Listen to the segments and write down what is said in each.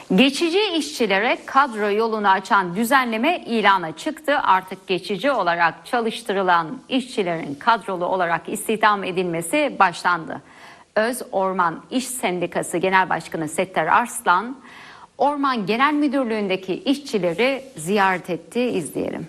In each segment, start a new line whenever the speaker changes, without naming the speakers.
Geçici işçilere kadro yolunu açan düzenleme ilana çıktı. Artık geçici olarak çalıştırılan işçilerin kadrolu olarak istihdam edilmesi başlandı. Öz Orman İş Sendikası Genel Başkanı Settar Arslan, Orman Genel Müdürlüğü'ndeki işçileri ziyaret etti. İzleyelim.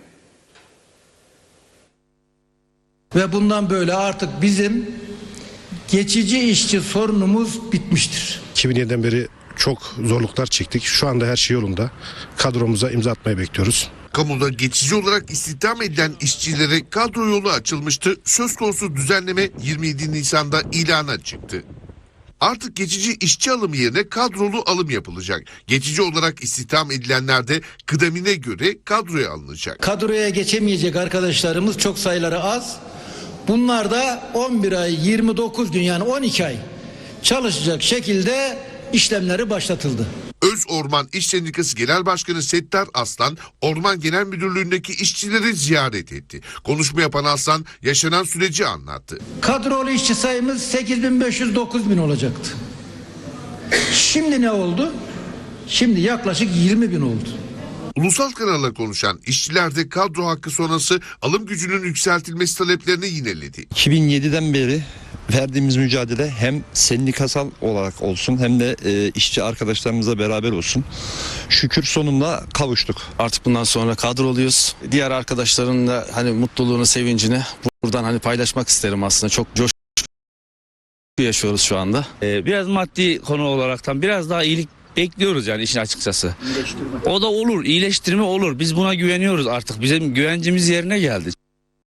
Ve bundan böyle artık bizim geçici işçi sorunumuz bitmiştir.
2007'den beri çok zorluklar çektik. Şu anda her şey yolunda. Kadromuza imza atmayı bekliyoruz.
Kamuda geçici olarak istihdam edilen işçilere kadro yolu açılmıştı. Söz konusu düzenleme 27 Nisan'da ilana çıktı. Artık geçici işçi alımı yerine kadrolu alım yapılacak. Geçici olarak istihdam edilenler de kıdemine göre kadroya alınacak.
Kadroya geçemeyecek arkadaşlarımız çok sayıları az. Bunlar da 11 ay 29 gün yani 12 ay çalışacak şekilde işlemleri başlatıldı.
Öz Orman İş Sendikası Genel Başkanı Settar Arslan, Orman Genel Müdürlüğü'ndeki işçileri ziyaret etti. Konuşma yapan Arslan yaşanan süreci anlattı.
Kadrolu işçi sayımız 8.500-9.000 olacaktı. Şimdi ne oldu? Şimdi yaklaşık 20.000 oldu.
Ulusal kanalla konuşan işçiler de kadro hakkı sonrası alım gücünün yükseltilmesi taleplerini yineledi.
2007'den beri verdiğimiz mücadele hem sendikasal olarak olsun hem de işçi arkadaşlarımızla beraber olsun. Şükür sonunda kavuştuk.
Artık bundan sonra kadroluyuz. Diğer arkadaşların da hani mutluluğunu, sevincini buradan hani paylaşmak isterim aslında. Çok coşku yaşıyoruz şu anda.
Biraz maddi konu olaraktan biraz daha iyilik bekliyoruz yani işin açıkçası. O da olur, iyileştirme olur. Biz buna güveniyoruz artık. Bizim güvencimiz yerine geldi.